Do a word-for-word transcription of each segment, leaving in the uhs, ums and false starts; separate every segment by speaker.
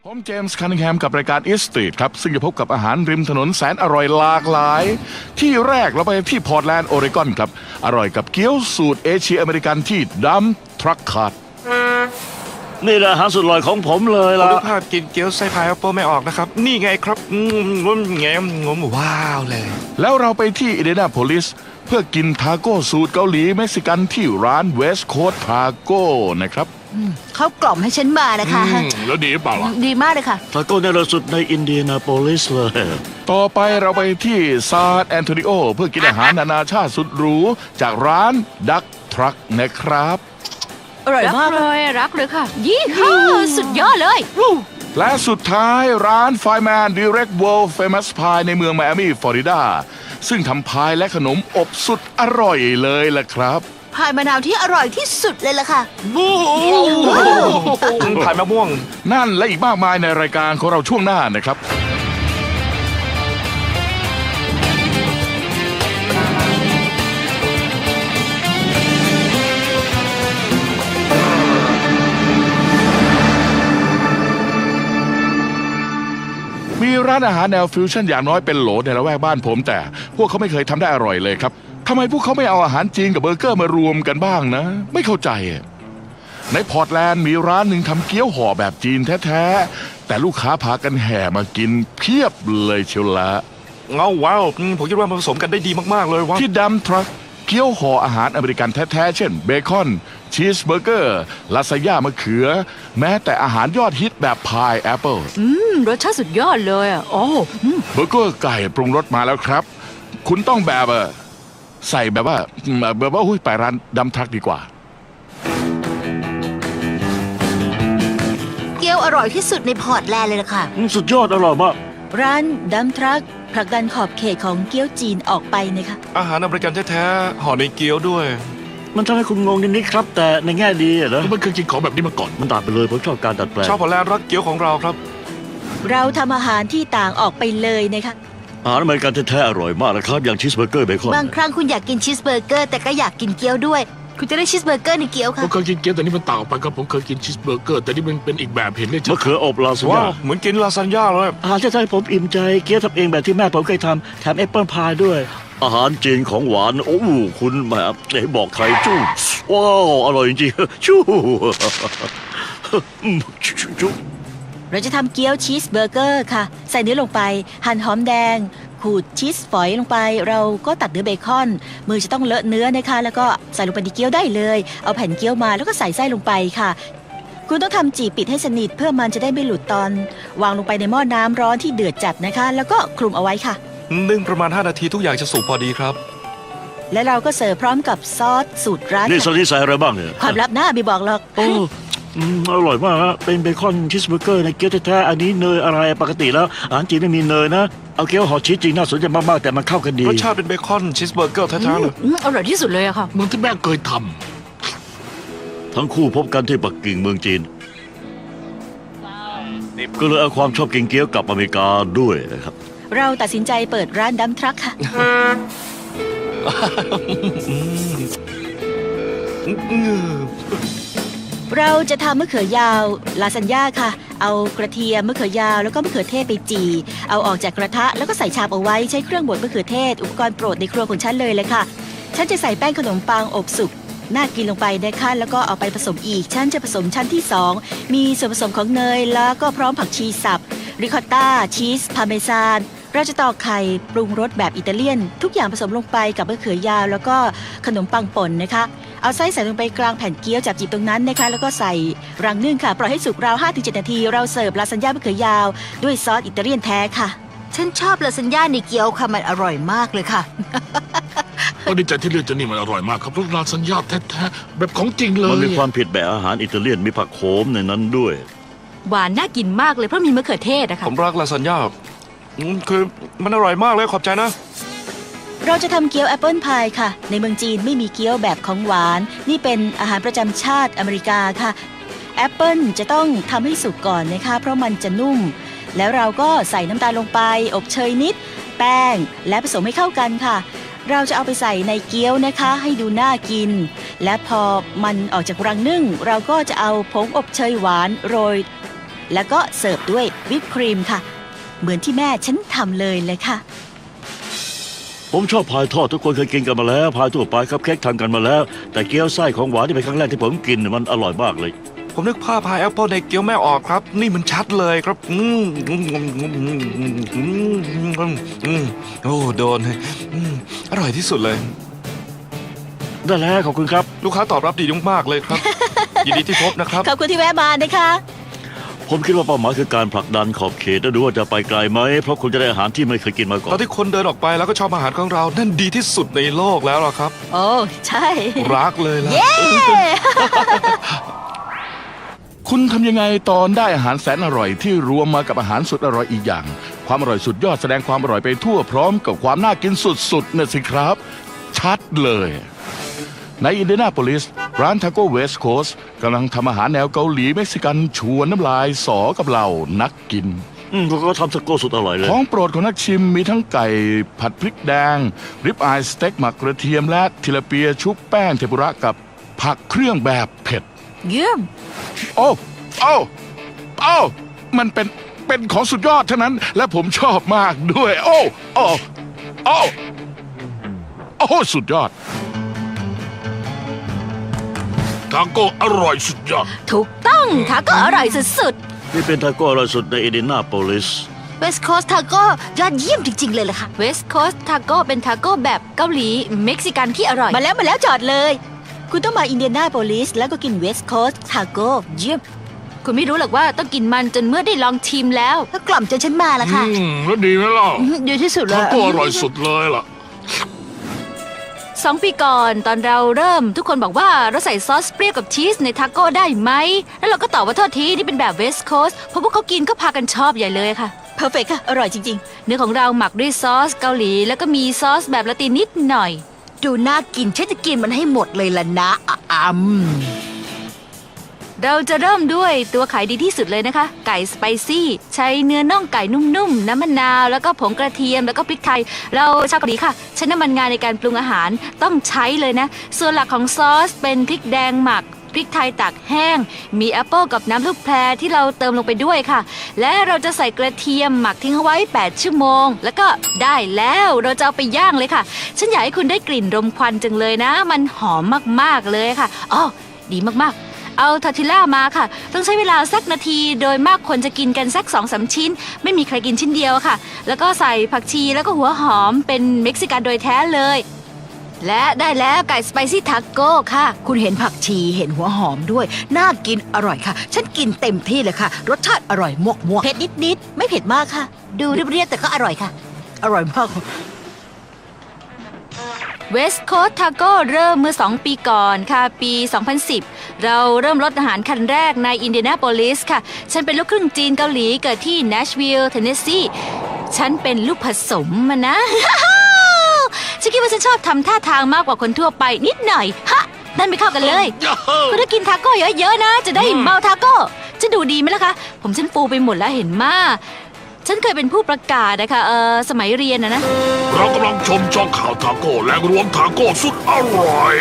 Speaker 1: ผมเจมส์คันนิงแฮมกับรายการอีสตรีทครับซึ่งจะพบกับอาหารริมถนนแสนอร่อยหลากหลาย ที่แรกเราไปที่พอร์ตแลนด์โอเรกอนครับอร่อยกับเกี๊ยวสูตรเอเชียอเมริกันที่ดัมทรัคคาร์ด
Speaker 2: นี่แหละอาหารสุดอร่อยของผมเลยล่ะ
Speaker 3: ดูภาพกินเกี๊ยวไส้พายแอปเปิลไม่ออกนะครับนี่ไงครับงมงแงมงมว้าวเลย
Speaker 1: แล้วเราไปที่อินเดียนาโพลิสเพื่อกินทาโก้สูตรเกาหลีเม็กซิกันที่ร้านเวสต์โคสต์ทาโก้นะครับ
Speaker 4: เขากล่อมให้ฉันมานะคะ
Speaker 1: แล้วดีเปล่าล่ะ
Speaker 4: ดีมากเลยค่ะ
Speaker 2: ทาโก้ในระสุดในอินเดียนาโพลิสเลย
Speaker 1: ต่อไปเราไปที่ซานแอนโทนิโอเพื่อกินอาหารนานาชาติสุดหรูจากร้านดักทรัคนะครับ
Speaker 4: อร่อย
Speaker 5: รัก
Speaker 4: มาก
Speaker 5: เลยรักเลยค่ะ ยี่ห้อสุดยอดเลย
Speaker 1: และสุดท้ายร้าน Fireman Direct World Famous Pie ในเมืองไมอามี่ฟลอริดาซึ่งทำพายและขนมอบสุดอร่อยเลยล่ะครับ
Speaker 4: พายมะนาวที่อร่อยที่สุดเลยล่ะค่ะ
Speaker 3: ผ่านมะม่วง
Speaker 1: นั่นและอีกมากมายในรายการของเราช่วงหน้านะครับมีร้านอาหารแนวฟิวชั่นอย่างน้อยเป็นโหลในละแวกบ้านผมแต่พวกเขาไม่เคยทำได้อร่อยเลยครับทำไมพวกเขาไม่เอาอาหารจีนกับเบอร์เกอร์มารวมกันบ้างนะไม่เข้าใจในพอร์ตแลนด์มีร้านหนึ่งทำเกี๊ยวห่อแบบจีนแท้ๆแต่ลูกค้าพากันแห่มากินเพียบเลยเชียวละ
Speaker 3: เงาว้าวผมคิดว่ามันผสมกันได้ดีมากๆเลยว้า
Speaker 1: ที่ดัมทรัคเกี๊ยวห่ออาหารอเมริกันแท้ๆเช่นเบคอนชีสเบอร์เกอร์ลาซานญ่ามะเขือแม้แต่อาหารยอดฮิตแบบพายแอปเปิล
Speaker 5: อืมรสชาติสุดยอดเลยอ่ะโอ้อืม
Speaker 1: เบอร์เกอร์ไก่ปรุงรสมาแล้วครับคุณต้องแบบเออใส่แบบว่าแบบว่าหุ้ยไปร้านดัมทรัคดีกว่า
Speaker 4: เกี๊ยวอร่อยที่สุดในพอร์ตแลนด์เลยล่ะค่ะ
Speaker 2: สุดยอดอร่อยมาก
Speaker 6: ร้านดัมทรัคผลักดันขอบเขตของเกี๊ยวจีนออกไปนะคะ
Speaker 3: อาหารอเมริกันแท้ๆห่อในเกี๊ยวด้วย
Speaker 2: มันทำให้คุณงงนิดๆครับ แต่ในแง่ดีอะนะ
Speaker 1: มันเคยกินของแบบนี้มาก่อน
Speaker 2: มันต่างไปเลยผมชอบการดัดแปลง
Speaker 3: ชาวพอร์ตแลนด์รักเกี๊ยวของเราครับ
Speaker 6: เราทำอาหารที่ต่างออกไปเลยนะคะ
Speaker 2: อาหารอเมริกันแท้ๆอร่อยมากนะครับอย่างชีสเบอร์เกอร์เบคอน
Speaker 4: บางครั้งคุณอยากกินชีสเบอร์เกอร์แต่ก็อยากกินเกี๊ยวด้วย คุณจะได้ชีสเบอร์เกอร์ในเกี๊ยว
Speaker 7: ผ
Speaker 4: ค่ะ
Speaker 7: มเคยกินเกี๊ยวแต่นี่มันต่างออกไปครับผมเคยกินชีสเบอร์เกอร์แต่นี่มันเป็นอีกแบบเห็นได้ชั
Speaker 2: มะ
Speaker 7: ด
Speaker 2: เขืออบลาซาน
Speaker 3: ว้า
Speaker 2: ญ่าว
Speaker 3: เหมือนกินลาซานญ่าเลย
Speaker 2: อาหารแท้ๆผมอิ่มใจเกี๊ยวทำเองแบบที่แม่ผมเคยทำแถมแอปเปิลพายด้วย อาหารจีนของหวานโอ้โหคุณแหมไหนบอกใครจู้ว้าวอร่อยจริงๆจู้จู้
Speaker 6: เราจะทำเกี๊ยวชีสเบอร์เกอร์ค่ะใส่เนื้อลงไปหั่นหอมแดงขูดชีสฝอยลงไปเราก็ตัดเนื้อเบคอนมือจะต้องเลอะเนื้อนะคะแล้วก็ใส่ลงไปในเกี๊ยวได้เลยเอาแผ่นเกี๊ยวมาแล้วก็ใส่ไส้ลงไปค่ะคุณต้องทำจีบปิดให้สนิทเพื่อมันจะได้ไม่หลุดตอนวางลงไปในหม้อน้ำร้อนที่เดือดจัดนะคะแล้วก็คลุมเอาไว้ค่ะ
Speaker 3: นึ่งประมาณห้านาทีทุกอย่างจะสุกพอดีครับ
Speaker 6: และเราก็เสิร์ฟพร้อมกับซอสสูตรร้าน
Speaker 2: นี่ส
Speaker 6: ค่ะ
Speaker 2: ลิดใส่อะไรบ้างเนี่ย
Speaker 6: ความลับหน้าบีบอกหรอก
Speaker 2: โอ้อืมอร่อยมากฮะเป็นเบคอนชีสเบอร์เกอร์ในเกี๊ยวแท้ๆอันนี้เนยอะไรปกติแล้วอาหารจีนไม่มีเนยนะเอาเกี๊ยวห่อชีสจริงน่าสนใจมากๆแต่มันเข้ากันดี
Speaker 3: รสชาติเป็นเบคอนชีสเบอร์เกอร์แท้ๆเลย
Speaker 5: อืมอร่อยที่สุดเลยอะค่ะ
Speaker 7: ๆเหมือนที่แม่เคยท
Speaker 2: ทั้งคู่พบกันที่ปักกิ่งเมืองจีนก็เลยเอาความชอบกินเกี๊ยวกลับอเมริกาด้วยนะครับ
Speaker 6: เราตัดสินใจเปิดร้านดัมทรัคค่ะ เราจะทำมะเขือยาวลาซานญ่าค่ะ เอากระเทียมมะเขือยาวแล้วก็มะเขือเทศไปจี่เอาออกจากกระทะแล้วก็ใส่ชามเอาไว้ใช้เครื่องบดมะเขือเทศอุปกรณ์โปรดในครัวของฉันเลยเลยค่ะ ฉันจะใส่แป้งขนมปังอบสุกน่ากินลงไปนะคะแล้วก็เอาไปผสมอีกฉันจะผสมชั้นที่สองมีส่วนผสมของเนยแล้วก็พร้อมผักชีสับริคอตต้าชีสพาเมซานเราจะตอกไข่ปรุงรสแบบอิตาเลียนทุกอย่างผสมลงไปกับมะเขือยาวแล้วก็ขนมปังป่นนะคะเอาไส้ใส่ลงไปกลางแผ่นเกี๊ยวจับจีบตรงนั้นนะคะแล้วก็ใส่รังนึ่งค่ะปล่อยให้สุกราว ห้าถึงเจ็ด นาทีเราเสิร์ฟลาซานญ่ามะเขือยาวด้วยซอสอิตาเลียนแท้ค่ะ
Speaker 4: ฉันชอบลาซานญ่าในเกี๊ยวค่ะมันอร่อยมากเลยค่ะ
Speaker 7: ำก็ดีใจที่เลือกจะนี่มันอร่อยมากครับรสลาซานญ่าแท้ๆแบบของจริงเล
Speaker 2: มัน
Speaker 7: ย
Speaker 2: มีความผิดแบบอาหารอิตาเลียนมีผักโขมในนั้นด้วย
Speaker 5: หวานน่ากินมากเลยเพราะมีมะเขือเทศอะ
Speaker 3: ผ
Speaker 5: ค่ะ
Speaker 3: มรักลาซานญ่าอืมคือมันอร่อยมากเลยขอบใจนะ
Speaker 6: เราจะทำเกี๊ยวแอปเปิลพายค่ะในเมืองจีนไม่มีเกี๊ยวแบบของหวานนี่เป็นอาหารประจำชาติอเมริกาค่ะแอปเปิลจะต้องทำให้สุกก่อนนะคะเพราะมันจะนุ่มแล้วเราก็ใส่น้ำตาลลงไปอบเชยนิดแป้งและผสมให้เข้ากันค่ะ เราจะเอาไปใส่ในเกี๊ยวนะคะให้ดูน่ากินและพอมันออกจากรังนึ่งเราก็จะเอาผงอบเชยหวานโรยแล้วก็เสิร์ฟด้วยวิปครีมค่ะ เหมือนที่แม่ฉันทำเลยเลยค่ะ
Speaker 2: ผมชอบพายทอดทุกคนเคยกินกันมาแล้วพายทั่วไปครับเค้กทำกันมาแล้ว แต่เกี๊ยวไส้ของหวานที่เป็นครั้งแรกที่ผมกินมันอร่อยมากเลย
Speaker 3: ผมนึกภาพพายแอปเปิลในเกี๊ยวไม่ออกครับ นี่มันชัดเลยครับอืมอืมอืมอืมอืมอืมอืมโอ้โดนอืมอร่อยที่สุดเลย
Speaker 2: ได้แล้วขอบคุณครับ
Speaker 3: ลูกค้าตอบรับดีมากๆเลยครับ ยินดีที่พบนะครับ
Speaker 6: ขอบคุณที่แวะมานะคะ
Speaker 2: ผมคิดว่าเป้าหมายคือการผลักดันขอบเขตและดูว่าจะไปไกลไหมเพราะคุณจะได้อาหารที่ไม่เคยกินมาก่อ
Speaker 3: ตอน นที่คนเดินออกไปแล้วก็ชอบอาหารของเรา นั่นดีที่สุดในโลกแล้วล่ะครับ
Speaker 6: โอ้ใช่
Speaker 3: รักเลยล่ะ
Speaker 1: คุณทำยังไงตอนได้อาหารแสนอร่อยที่รวมมากับอาหารสุดอร่อยอีกอย่าง ความอร่อยสุดยอดแสดงความอร่อยไปทั่วพร้อมกับความน่ากินสุดๆน่ะสิครับ ชัดเลย ในอินเดียนาโพลิสร้านทาโก้เวสต์โคสต์กำลังทำอาหารแนวเกาหลีเม็กซิกันชวนน้ำลายสอกับเรานักกิน
Speaker 2: อืมเขาก็ทำสโก้สุดอร่อยเลย
Speaker 1: ของโปรดของนักชิมมีทั้งไก่ผัดพริกแดง ริบอายสเต็กหมักกระเทียมและทิลาเปียชุบแป้งเทมปุระกับผักเครื่องแบบเผ็ด
Speaker 5: เยี่ยม
Speaker 1: โอ้โอ้โอ้มันเป็นเป็นของสุดยอดเท่านั้น และผมชอบมากด้วย โอ้โอ้โอ้โอ้สุดยอด
Speaker 7: ทาโก้อร่อยสุดยอด
Speaker 5: ถูกต้องทาโก้อร่อยสุด
Speaker 2: นี่เป็นทาโก้อร่อยสุดในอินเดียนาโพลิส
Speaker 4: เวสต์โคสต์ทาโก้ยอดเยี่ยมจริง ๆ เลยล่ะค่ะ
Speaker 5: ๆเวสต์โคสต์ทาโก้เป็นทาโก้แบบเกาหลีเม็กซิกันที่อร่อย
Speaker 6: มาแล้วมาแล้วจอดเลย คุณต้องมาอินเดียนาโพลิสแล้วก็กินเวสต์โคสต์ทาโก้เยี่ยม
Speaker 5: คุณไม่รู้หรอกว่าต้องกินมันจนเมื่อได้ลองชิมแล้ว
Speaker 4: ก็กล่อมจนฉันมาละค่ะ
Speaker 7: อืมแล้วดีไหมล่ะ
Speaker 4: ดีที่สุดเล
Speaker 7: ทาย โก้อร่อยสุดเลยล่ะ
Speaker 5: สองปีก่อนตอนเราเริ่มทุกคนบอกว่าเราใส่ซอสเปรี้ยวกับชีสในทาโก้ได้ไหม แล้วเราก็ตอบว่าโทษทีนี่เป็นแบบเวสต์โคสต์เพราะพวกเขากินก็พากันชอบใหญ่เลยค่ะ
Speaker 6: เพอร์เฟกค่ะ อร่อยจริง
Speaker 5: เนื้อของเราหมักด้วยซอสเกาหลี แล้วก็มีซอสแบบละตินนิดหน่อย
Speaker 4: ดูน่ากินฉันจะกินมันให้หมดเลยล่ะนะอ่ะอืม
Speaker 5: เราจะเริ่มด้วยตัวขายดีที่สุดเลยนะคะ ไก่สไปซี่ใช้เนื้อน่องไก่นุ่มๆ น้ำมะนาว แล้วก็ผงกระเทียมแล้วก็พริกไทย เราชาวเกาหลีค่ะใช้น้ำมันงาในการปรุงอาหารต้องใช้เลยนะ ส่วนหลักของซอสเป็นพริกแดงหมัก พริกไทยตากแห้ง มีแอปเปิลกับน้ำลูกแพรที่เราเติมลงไปด้วยค่ะ และเราจะใส่กระเทียมหมักทิ้งเอาไว้แปดชั่วโมง แล้วก็ได้แล้วเราจะเอาไปย่างเลยค่ะ ฉันอยากให้คุณได้กลิ่นรมควันจังเลยนะ มันหอมมากๆเลยค่ะอ๋อดีมากๆ เอาทอร์ติลล่ามาค่ะ ต้องใช้เวลาสักนาทีโดยมากคนจะกินกันสัก สองสาม ชิ้น ไม่มีใครกินชิ้นเดียวค่ะ แล้วก็ใส่ผักชีแล้วก็หัวหอมเป็นเม็กซิกันโดยแท้เลย และได้แล้วไก่สไปซี่ทาโก้ค่ะ
Speaker 4: คุณเห็นผักชีเห็นหัวหอมด้วย น่ากินอร่อยค่ะ ฉันกินเต็มที่เลยค่ะ รสชาติอร่อยมวกมวก
Speaker 6: ๆ เผ็ดนิดๆ ไม่เผ็ดมากค่ะ
Speaker 4: ดูเรียบๆแต่ก็อร่อยค่ะ อร่อยมาก
Speaker 5: เวสต์โคสต์ทาโก้เริ่มเมื่อ สอง ปีก่อนค่ะ ปี สองพันสิบ เราเริ่มรถอาหารคันแรกในอินเดียนาโพลิสค่ะ ฉันเป็นลูกครึ่งจีนเกาหลีเกิดที่เนชวิลล์เทนเนสซีฉันเป็นลูกผสมมานะ ฉันคิดว่าฉันชอบทำท่าทางมากกว่าคนทั่วไปนิดหน่อย ฮะ นั่นไม่เข้ากันเลย คุณต้องกินทาโก้เยอะๆนะ จะได้เมาทาโก้จะดูดีไหมล่ะคะ ผมฉันฟูไปหมดแล้วเห็นมาฉันเคยเป็นผู้ประกาศนะคะเออสมัยเรียนนะนะ
Speaker 7: เรากำลังชมช่องข่าวทาโก้และรวมทาโก้สุดอร่อย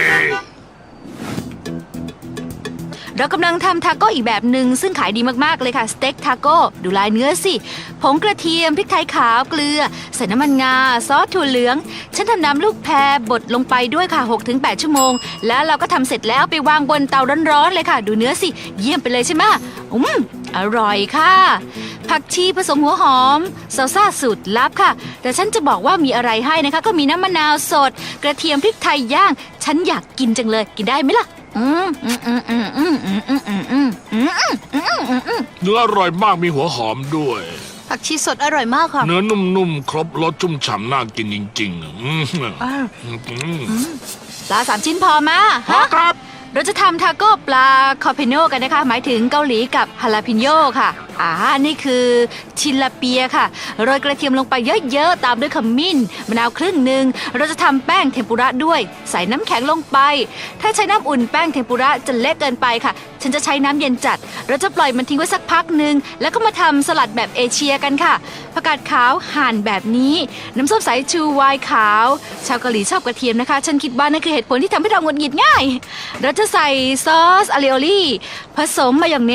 Speaker 5: เรากำลังทำทาโก้อีกแบบหนึ่งซึ่งขายดีมากๆเลยค่ะสเต็กทาโก้ดูลายเนื้อสิผงกระเทียมพริกไทยขาวเกลือใส่น้ำมันงาซอสถั่วเหลืองฉันทำน้ำลูกแพรบดลงไปด้วยค่ะ หกถึงแปด ชั่วโมงแล้วเราก็ทำเสร็จแล้วไปวางบนเตาร้อนๆเลยค่ะ ดูเนื้อสิเยี่ยมไปเลยใช่ไหมอืมอร่อยค่ะผักชีผสมหัวหอมซาซ่าสูตรลับค่ะแต่ฉันจะบอกว่ามีอะไรให้นะคะก็มีน้ำมะนาวสดกระเทียมพริกไทยย่างฉันอยากกินจังเลยกินได้ไหมล่ะอืมอืมอืมอืมอืมอืมอืมอืมอืมอืมอืมอืมอืม
Speaker 7: เนื้ออร่อยมากมีหัวหอมด้วย
Speaker 4: ผักชีสดอร่อยมากค่ะ
Speaker 7: เนื้อนุ่มๆ ครบรสชุ่มฉ่ำน่ากินจริงๆอะอืมอืม
Speaker 5: ปลาสามชิ้นพอมาฮะครับเราจะทำทาโก้ปลาคอเพโนกันนะคะ หมายถึงเกาหลีกับฮาลาพิโยค่ะอ่านี่คือชิลาเปียค่ะโรยกระเทียมลงไปเยอะๆตามด้วยขมิ้นมะนาวครึ่งหนึ่งเราจะทำแป้งเทมปุระด้วยใส่น้ำแข็งลงไปถ้าใช้น้ำอุ่นแป้งเทมปุระจะเละเกินไปค่ะฉันจะใช้น้ำเย็นจัดเราจะปล่อยมันทิ้งไว้สักพักหนึ่งแล้วก็มาทำสลัดแบบเอเชียกันค่ะผักกาดขาวหั่นแบบนี้น้ำส้มสายชูไวน์ขาวชาวเกาหลีชอบกระเทียมนะคะฉันคิดว่านั่นคือเหตุผลที่ทำให้เราหงุดหงิดง่ายเราจะใส่ซอสอาลิโอลี่ผสมมายองเนส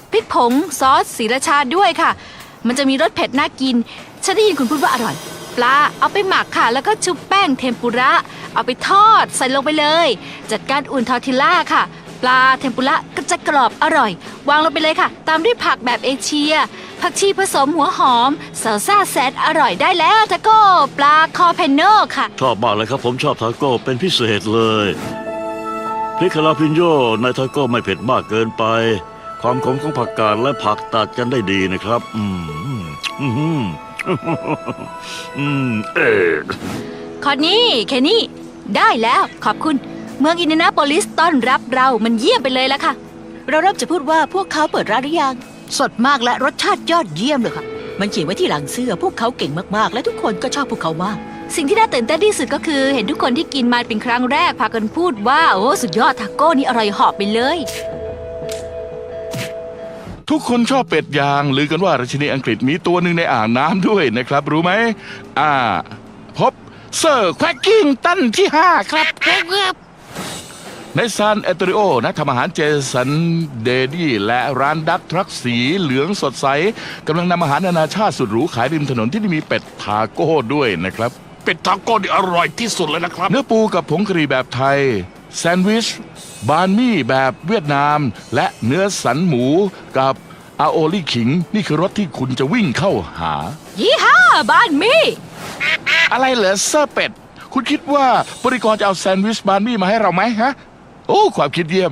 Speaker 5: พริกผงซอสศรีราชาด้วยค่ะ มันจะมีรสเผ็ดน่ากินฉันได้ยินคุณพูดว่าอร่อยปลาเอาไปหมักค่ะแล้วก็ชุบแป้งเทมปุระเอาไปทอดใส่ลงไปเลยจัดการอุ่นทอร์ติลล่าค่ะปลาเทมปุระก็จะกรอบอร่อยวางลงไปเลยค่ะตามด้วยผักแบบเอเชียผักชีผสมหัวหอมซาลซ่าแซดอร่อยได้แล้วทาโก้ปลาคอเพนโนค่ะ
Speaker 2: ชอบมากเลยครับผมชอบทาโก้เป็นพิเศษเลยพริกคาราพินโยในทาโก้ไม่เผ็ดมากเกินไป ความขมของผักกาดและผักตัดกันได้ดีนะครับ อืมอืมอืมอืมเออ
Speaker 5: คอนนี่แค่นี้ได้แล้วขอบคุณเมืองอินเดียนาโพลิสต้อนรับเรามันเยี่ยมไปเลยละค่ะ
Speaker 6: เราเริ่มจะพูดว่าพวกเขาเปิดร้านหรือยัง
Speaker 4: สดมากและรสชาติยอดเยี่ยมเลยค่ะ
Speaker 6: มันเขียนไว้ที่หลังเสื้อพวกเขาเก่งมากๆ และทุกคนก็ชอบพวกเขามาก
Speaker 5: สิ่งที่น่าตื่นเต้นที่สุดก็คือเห็นทุกคนที่กินมาเป็นครั้งแรกพากันพูดว่าโอ้สุดยอดทาโก้นี่อร่อยเหาะไปเลย
Speaker 1: ทุกคนชอบเป็ดยางลือกันว่าราชินีอังกฤษมีตัวหนึ่งในอ่างน้ำด้วยนะครับ รู้ไหมอ่า พบเซอร์แควกกิ้งตันที่ห้าครับในซานแอนโตนิโอนักทำอาหารเจสันเดดี้และร้านดักทรัคสีเหลืองสดใสกำลังนำอาหารนานาชาติสุดหรูขายริมถนนที่มีเป็ดทาโก้ด้วยนะครับ
Speaker 7: เป็ดทาโก้นี่อร่อยที่สุดเลยนะครับ
Speaker 1: เนื้อปูกับผงกะหรี่แบบไทย แซนด์วิช บานมี่แบบเวียดนาม และเนื้อสันหมูกับอาโอลี่ขิง นี่คือรสที่คุณจะวิ่งเข้าหา
Speaker 5: ยี่ห้าบ้านมี่
Speaker 1: อะไรเหรอเซอร์เป็ด คุณคิดว่าบริกรจะเอาแซนด์วิชบานมี่มาให้เราไหมฮะ โอ้ ความคิดเยี่ยม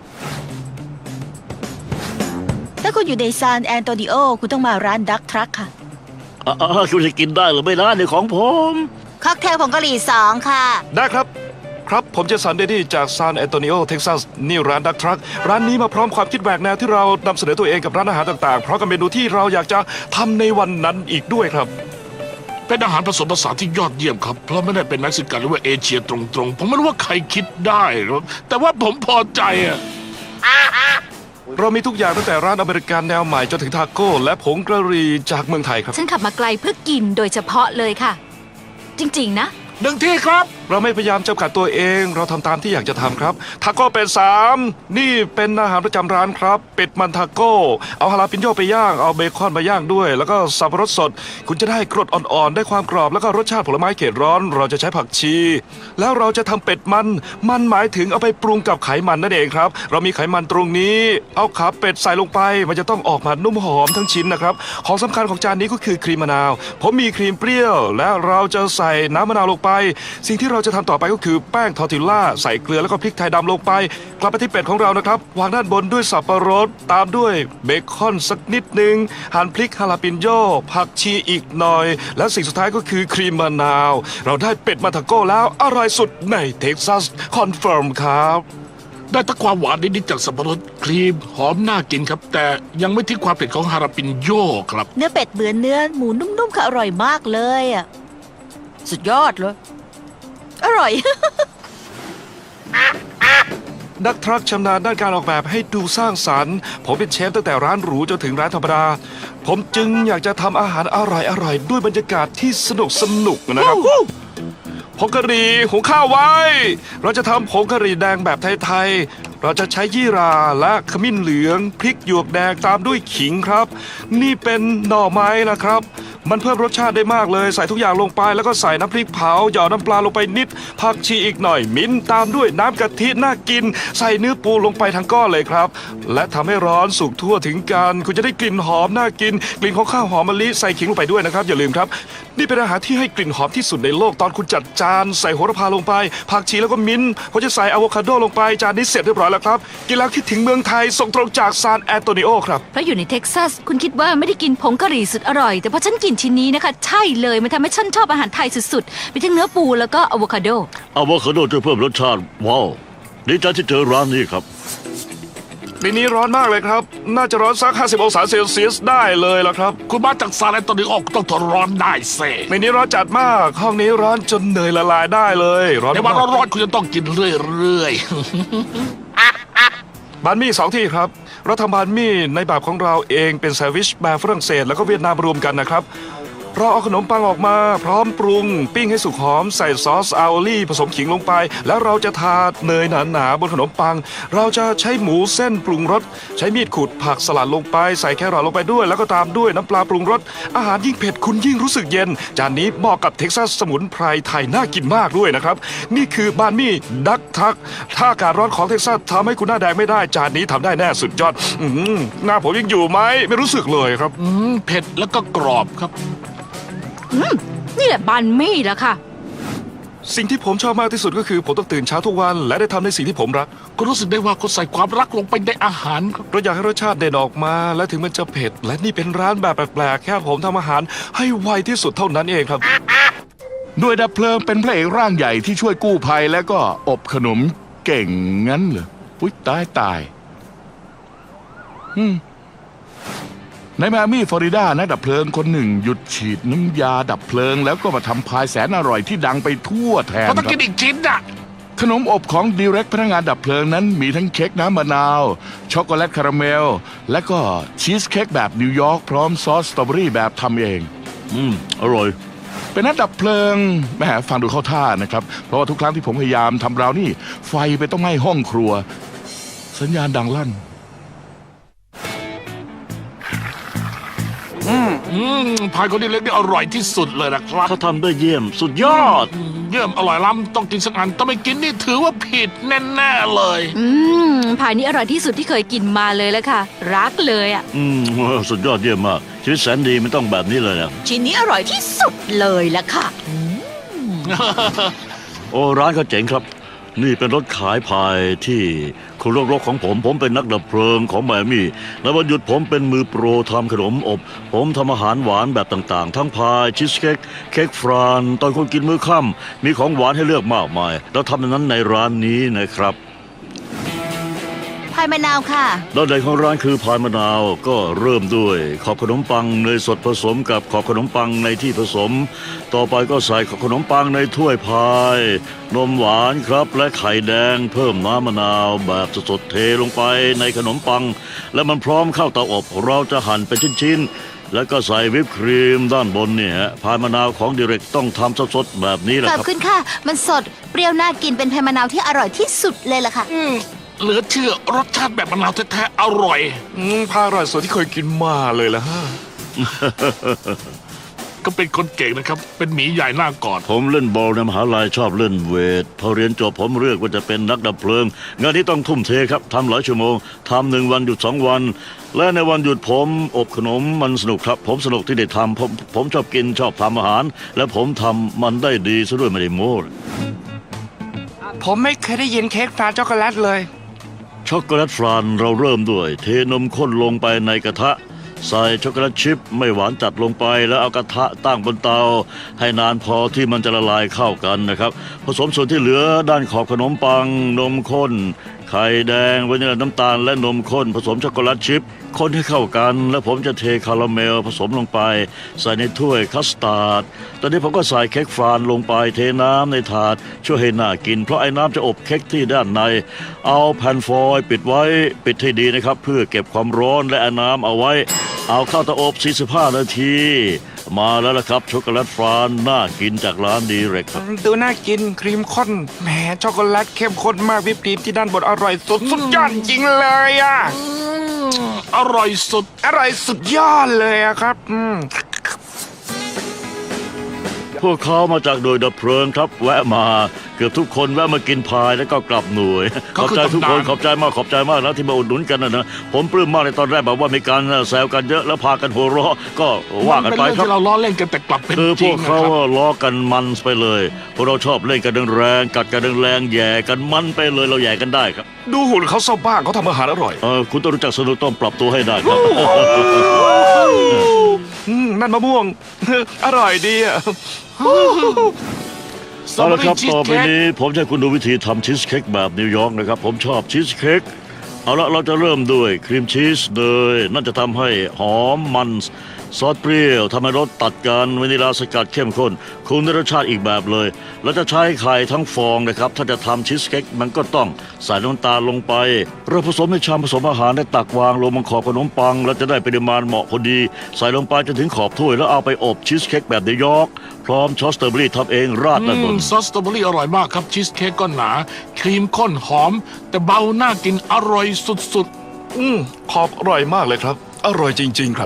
Speaker 6: ถ้าคุณอยู่ในซานแอนโตนิโอคุณต้องมาร้านดักทรัคค่ะ
Speaker 2: อ่าคุณจะกินได้หรือไม่นะในของผม
Speaker 4: ค็อกเทลผงกะหรี่สองค่ะ
Speaker 3: ได้ครับ ครับผมเจสันเดดี้จากซานแอนโตนิโอเท็กซัสนี่ร้านดักทรัคร้านนี้มาพร้อมความคิดแหวกแนวที่เรานำเสนอตัวเองกับร้านอาหารต่างๆเพราะกับเมนูที่เราอยากจะทำในวันนั้นอีกด้วยครับ
Speaker 7: เป็นอาหารผสมผสานที่ยอดเยี่ยมครับ เพราะไม่ได้เป็นเม็กซิกันหรือว่าเอเชียตรงๆ ผมไม่รู้ว่าใครคิดได้ครับแต่ว่าผมพอใจอะ
Speaker 3: เรามีทุกอย่างตั้งแต่ร้านอเมริกันแนวใหม่จนถึงทาโก้และผงกะหรี่จากเมืองไทยครับ
Speaker 5: ฉันขับมาไกลเพื่อกินโดยเฉพาะเลยค่ะ จริงๆนะ
Speaker 7: หนึ่งที่ครับ
Speaker 3: เราไม่พยายามจำกัดตัวเอง เราทำตามที่อยากจะทำครับทาโก้เป็นสามนี่เป็นอาหารประจำร้านครับเป็ดมันทาโก้เอาฮาลาปิโยไปย่างเอาเบคอนมาย่างด้วย แล้วก็สับปะรดสด คุณจะได้กรดอ่อนๆได้ความกรอบแล้วก็รสชาติผลไม้เขตร้อน เราจะใช้ผักชี แล้วเราจะทำเป็ดมันมันหมายถึงเอาไปปรุงกับไขมันนั่นเองครับเรามีไขมันตรงนี้เอาขาเป็ดใส่ลงไป มันจะต้องออกมานุ่มหอมทั้งชิ้นนะครับของสำคัญของจานนี้ก็คือครีมมะนาวผมมีครีมเปรี้ยว และเราจะใส่น้ำมะนาวลงไปสิ่งที่เราจะทำต่อไปก็คือแป้งทอร์ติลล่าใส่เกลือแล้วก็พริกไทยดำลงไปกลับไปที่เป็ดของเรานะครับวางด้านบนด้วยสับปะรดตามด้วยเบคอนสักนิดหนึ่งหั่นพริกฮาลาปิโยผักชีอีกหน่อย และสิ่งสุดท้ายก็คือครีมมะนาว เราได้เป็ดมาทาโก้แล้วอร่อยสุดในเท็กซัสคอนเฟิร์มครับ
Speaker 7: ได้ทั้งความหวานนิดๆจากสับปะรดครีมหอมน่ากินครับ แต่ยังไม่ทิ้งความเผ็ดของฮาราปินโยครับ
Speaker 6: เนื้อเป็ดเหมือนเนื้อหมูนุ่มๆค่ะอร่อยมากเลยอ่ะสุดยอดเลยอร่อย
Speaker 3: นักทรัคชำนาญด้านการออกแบบให้ดูสร้างสรรค์ ผมเป็นเชฟตั้งแต่ร้านหรูจนถึงร้านธรรมดา ผมจึงอยากจะทำอาหารอร่อยๆด้วยบรรยากาศที่สนุกสนุกนะครับผงกะหรี่หุงข้าวไว้ เราจะทำผงกะหรี่แดงแบบไทยๆเราจะใช้ยี่ราและขมิ้นเหลืองพริกหยวกแดงตามด้วยขิงครับ นี่เป็นหน่อไม้นะครับ มันเพิ่มรสชาติได้มากเลยใส่ทุกอย่างลงไปแล้วก็ใส่น้ำพริกเผาหยอดน้ำปลาลงไปนิดผักชีอีกหน่อยมิ้นตามด้วยน้ำกะทิน่ากิน ใส่เนื้อปูลงไปทั้งก้อนเลยครับ และทำให้ร้อนสุกทั่วถึงกันคุณจะได้กลิ่นหอมน่ากิน กลิ่นของข้าวหอมมะลิใส่ขิงลงไปด้วยนะครับอย่าลืมครับ นี่เป็นอาหารที่ให้กลิ่นหอมที่สุดในโลกตอนคุณจัดจานใส่โหระพาลงไปผักชีแล้วก็มิ้นผมจะใส่อะโวคาโดลงไปจานนี้เสร็จเรียบร้อยแล้วครับกินแล้วคิดถึงเมืองไทยส่งตรงจากซานแอนโตนิโอครับ
Speaker 5: เพราะอยู่ในเท็กซัสคุณคิดว่าไม่ได้กินผงกะหรี่สุดอร่อยแต่พอฉันกินชิ้นนี้นะคะใช่เลยมันทำให้ฉันชอบอาหารไทยสุดๆมีทั้งเนื้อปูแล้วก็อะโวคาโด
Speaker 2: อะโวคาโดจะเพิ่มรสชาติว้าวดีใจที่เจอร้านนี้ครับ
Speaker 3: ปีนี้ร้อนมากเลยครับ น่าจะร้อนสักห้าสิบองศาเซลเซียสได้เลยล่ะครับ
Speaker 7: คุณมาจากซาแอนโตนิโอต้องทนร้อนได้เซ่
Speaker 3: ปีนี้ร้อนจัดมาก ห้องนี้ร้อนจนเนยละลายได้เลย ร้อน
Speaker 7: ใน
Speaker 3: มา
Speaker 7: วัน
Speaker 3: ก
Speaker 7: ร้อนๆคุณจะต้องกินเรื่อยๆ
Speaker 3: บานมี่สองที่ครับ เราทำบานมี่ในแบบของเราเองเป็นแซนด์วิชแบบฝรั่งเศสแล้วก็เวียดนามรวมกันนะครับเราเอาขนมปังออกมาพร้อมปรุง ปิ้งให้สุกหอมใส่ซอสอาโอลี่ผสมขิงลงไป แล้วเราจะทาเนยหนาๆบนขนมปัง เราจะใช้หมูเส้นปรุงรสใช้มีดขูดผักสลัดลงไปใส่แครอทลงไปด้วย แล้วก็ตามด้วยน้ำปลาปรุงรสอาหารยิ่งเผ็ดคุณยิ่งรู้สึกเย็น จานนี้เหมาะกับเท็กซัสสมุนไพรไทยน่ากินมากด้วยนะครับ นี่คือบานมี่ดักทักถ้าอากาศร้อนของเท็กซัสทำให้คุณหน้าแดงไม่ได้จานนี้ทำได้แน่สุดยอดอื้อหือหน้าผมยังอยู่ไหมไม่รู้สึกเลยครับ
Speaker 7: อืมเผ็ดแล้วก็กรอบครับ
Speaker 5: นี่แหละบันมี่ละค่ะ
Speaker 3: สิ่งที่ผมชอบมากที่สุดก็คือผมต้องตื่นเช้าทุกวันและได้ทำในสิ่งที่ผมรัก
Speaker 7: ก็รู้สึกได้ว่าเขาใส่ความรักลงไปในอาหารครับ
Speaker 3: เราอยากให้รสชาติเด่นออกมา และถึงมันจะเผ็ด และนี่เป็นร้านแบบแปลกๆแค่ผมทำอาหารให้ไวที่สุดเท่านั้นเองครับ
Speaker 1: หน่วยดับเพลิงเป็นพระเอกร่างใหญ่ที่ช่วยกู้ภัยแล้วก็อบขนมเก่งงั้นเหรออุ๊ยตายตายอืมในไมอามี่ฟลอริดานักดับเพลิงคนหนึ่งหยุดฉีดน้ำยาดับเพลิง แล้วก็มาทำพายแสนอร่อยที่ดังไปทั่วแทน
Speaker 7: เขาต้อง
Speaker 1: ค
Speaker 7: กิ
Speaker 1: รับ
Speaker 7: นอีกชิ้นอ่ะ
Speaker 1: ขนมอบของดีเร็กพนักงานดับเพลิงนั้นมีทั้งเค้กน้ำมะนาว ช็อกโกแลตคาราเมล และก็ชีสเค้กแบบนิวยอร์กพร้อมซอสสตรอเบอรี่แบบทำเอง
Speaker 2: อืม อร่อย
Speaker 1: เป็นนักดับเพลิงแหมฟังดูเข้าท่านะครับ เพราะว่าทุกครั้งที่ผมพยายามทำราวนี่ไฟไปต้องไหม้ห้องครัว สัญญาณดังลั่น
Speaker 7: อืมพายคนนี้เล็กนี่อร่อยที่สุดเลยนะครับ
Speaker 2: เขาทำได้เยี่ยมสุดยอด
Speaker 7: เยี่ยมอร่อยล้ำต้องกินสักอันต้องไม่กินนี่ถือว่าผิดแน่ๆเลย
Speaker 5: อืมพายนี้อร่อยที่สุดที่เคยกินมาเลยแล้วค่ะ รักเลยอ่ะ
Speaker 2: อืม สุดยอดเยี่ยมมาก ชีวิตแสนดีไม่ต้องแบบนี้เลยนะ
Speaker 4: ชิ้นนี้อร่อยที่สุดเลยละค่ะ
Speaker 2: โอ้ร้านเขาเจ๋งครับ นี่เป็นรถขายพายที่คุณรกๆของผม ผมเป็นนักดับเพลิงของไมอามี่ในวันหยุดผมเป็นมือโปรทำขนมอบ ผมทำอาหารหวานแบบต่างๆ ทั้งพายชีสเค้กเค้กฟราน ตอนคนกินมื้อค่ำมีของหวานให้เลือกมากมาย แล้วทำอย่างนั้นในร้านนี้นะครับ
Speaker 4: พายมะนาวค่ะ
Speaker 2: ด้านในของร้านคือพายมะนาวก็เริ่มด้วยขอบขนมปังเนยสดผสมกับขอบขนมปังในที่ผสม ต่อไปก็ใส่ขอบขนมปังในถ้วยพาย นมหวานครับและไข่แดงเพิ่มน้ำมะนาวแบบสดๆเทลงไปในขนมปัง และมันพร้อมเข้าเตาอบเราจะหั่นเป็นชิ้นๆแล้วก็ใส่วิปครีมด้านบนเนี่ยฮะพายมะนาวของดิเรกต้องทำสดๆแบบนี้แหละ
Speaker 4: ขอบ
Speaker 2: ครับ
Speaker 4: คุณค่ะ มันสดเปรี้ยวน่ากินเป็นพายมะนาวที่อร่อยที่สุดเลยล่ะค่ะ
Speaker 7: อืมเหลือเชื่อรสชาติแบบมะนาวแท้ๆอร่อย
Speaker 3: อืมพาอร่อยสุดที่เคยกินมาเลยละฮะ
Speaker 7: ก็เป็นคนเก่งนะครับ เป็นหมีใหญ่หน้ากอด
Speaker 2: ผมเล่นบอลในมหาลัยชอบเล่นเวท พอเรียนจบผมเลือกว่าจะเป็นนักดับเพลิง งานนี้ต้องทุ่มเทครับทำหลายชั่วโมงทำหนึ่งวันหยุดสองวัน และในวันหยุดผมอบขนมมันสนุกครับ ผมสนุกที่ได้ทำผมผมชอบกินชอบทำอาหาร และผมทำมันได้ดีซะด้วยไม่ได้โม้
Speaker 3: ผมไม่เคยได้ยินเค้กฟรานช็อกโกแลตเลย
Speaker 2: ช็อกโกแลตฟรานเราเริ่มด้วย เทนมข้นลงไปในกระทะ ใส่ช็อกโกแลตชิพไม่หวานจัดลงไปแล้วเอากระทะตั้งบนเตา ให้นานพอที่มันจะละลายเข้ากันนะครับ ผสมส่วนที่เหลือด้านขอบขนมปัง นมข้น ไข่แดงวานิลลาน้ำตาลและนมข้น ผสมช็อกโกแลตชิพคนให้เข้ากัน แล้วผมจะเทคาราเมลผสมลงไป ใส่ในถ้วยคัสตาร์ดตอนนี้ผมก็ใส่เค้กฟรานลงไปเทน้ำในถาดช่วยให้น่ากิน เพราะไอ้น้ำจะอบเค้กที่ด้านใน เอาแผ่นฟอยล์ปิดไว้ปิดให้ดีนะครับ เพื่อเก็บความร้อนและเอาน้ำเอาไว้ เอาเข้าเตาอบสี่สิบห้านาที มาแล้วล่ะครับช็อกโกแลตฟรานน่ากินจากร้านดีเรกครับ
Speaker 3: ดูน่ากินครีมข้นแหมช็อกโกแลตเข้มข้นมากวิปครีมที่ด้านบนอร่อยสุดสุดยอดจริงเลยอ่ะ
Speaker 7: อืมอร่อยสุด
Speaker 3: อร่อยสุดยอดเลยอะครับอืม
Speaker 2: พวกเขามาจากโดยดับเพลิงครับ แวะมาเกือบทุกคนแวะมากินพายแล้วก็กลับหน่วย ข
Speaker 7: ก็
Speaker 2: อบ
Speaker 7: คือ
Speaker 2: ใจทุกคน
Speaker 7: ตำนาน
Speaker 2: ขอบใจมากขอบใจมากนะที่มาอุดหนุนกันนะนะผมปลื้มมากในตอนแรกแบบว่ามีการแซวกันเยอะแล้วพากันหัวเราะก็ว่ากัน
Speaker 7: เป็
Speaker 2: ไป
Speaker 7: เรื่อง
Speaker 2: ครับ
Speaker 7: ที่เราล้อเล่นกันแต่กลับเป็น
Speaker 2: คือ
Speaker 7: จ
Speaker 2: พ
Speaker 7: ริ
Speaker 2: ว
Speaker 7: ง
Speaker 2: ก
Speaker 7: นะ
Speaker 2: เขา
Speaker 7: ครับ
Speaker 2: ล้อกันมันไปเลยพวกเราชอบเล่นกันแรงๆกัดกันแรงๆแย่กันมันไปเลยเราแย่กันได้ครับ
Speaker 3: ดูหุ่นเขาซะบ้างเขาทำอาหารอร่อย
Speaker 2: เออคุณต้องรู้จักสนุกต้องปรับตัวให้ได้ครับ
Speaker 3: อืมนั่นมะม่วง อร่อยดีอ่ะ
Speaker 2: เอาละครับ
Speaker 7: ชีส
Speaker 2: ต่อไป
Speaker 7: เค้ก
Speaker 2: นี้ผมจะให้คุณดูวิธีทำชีสเค้กแบบนิวยอร์กนะครับ ผมชอบชีสเค้กเอาละเราจะเริ่มด้วยครีมชีสเนยนั่นจะทำให้หอมมันซอสเปรี้ยวทำให้รสตัดกันวานิลาสกัดเข้มข้นคุณได้รสชาติอีกแบบเลย แล้วจะใช้ไข่ทั้งฟองนะครับ ถ้าจะทำชีสเค้กมันก็ต้องใส่น้ำตาลลงไปเราผสมในชามผสมอาหารได้ตักวางลงบนขอบขนมปังแล้วจะได้ปริมาณเหมาะพอดี ใส่ลงไปจนถึงขอบถ้วยแล้วเอาไปอบชีสเค้กแบบนิวยอร์กพร้อมช็อตสตรอเบอรี่ทำเองราดด้านบ
Speaker 7: อื
Speaker 2: น
Speaker 7: มซอสสตรอเบอรี่อร่อยมากครับชีสเค้กก็หนา ครีมข้นหอม แต่เบาน่ากินอร่อยสุด
Speaker 3: อืมขอบอร่อยมากเลยครับ อร่อยจริง ๆ ครับ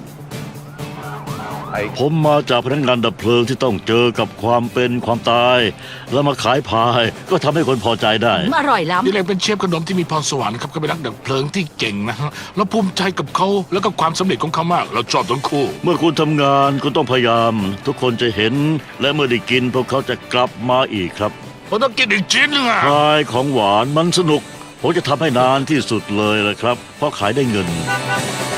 Speaker 2: ผมมาจากพนักงานดับเพลิงที่ต้องเจอกับความเป็นความตาย แล้วมาขายพายก็ทำให้คนพอใจได้
Speaker 4: อร่อย
Speaker 7: ๆ
Speaker 4: ล้ำ
Speaker 7: นี่เลยเป็นเชฟขนมที่มีพรสวรรค์ครับก็เป็นนักดับเพลิงที่เก่งนะฮะเราภูมิใจกับเขาแล้วก็ความสำเร็จของเขามาก เราชอบทั้งคู่
Speaker 2: เมื่อคุณทำงานคุณต้องพยายาม ทุกคนจะเห็น และเมื่อได้กินพวกเขาจะกลับมาอีกครับ
Speaker 7: ผมต้องกินอีกชิ้นหนึงอ่ะ
Speaker 2: พายของหวานมันสนุก ผมจะทำให้นานที่สุดเลยละครับ เพราะขายได้เงิน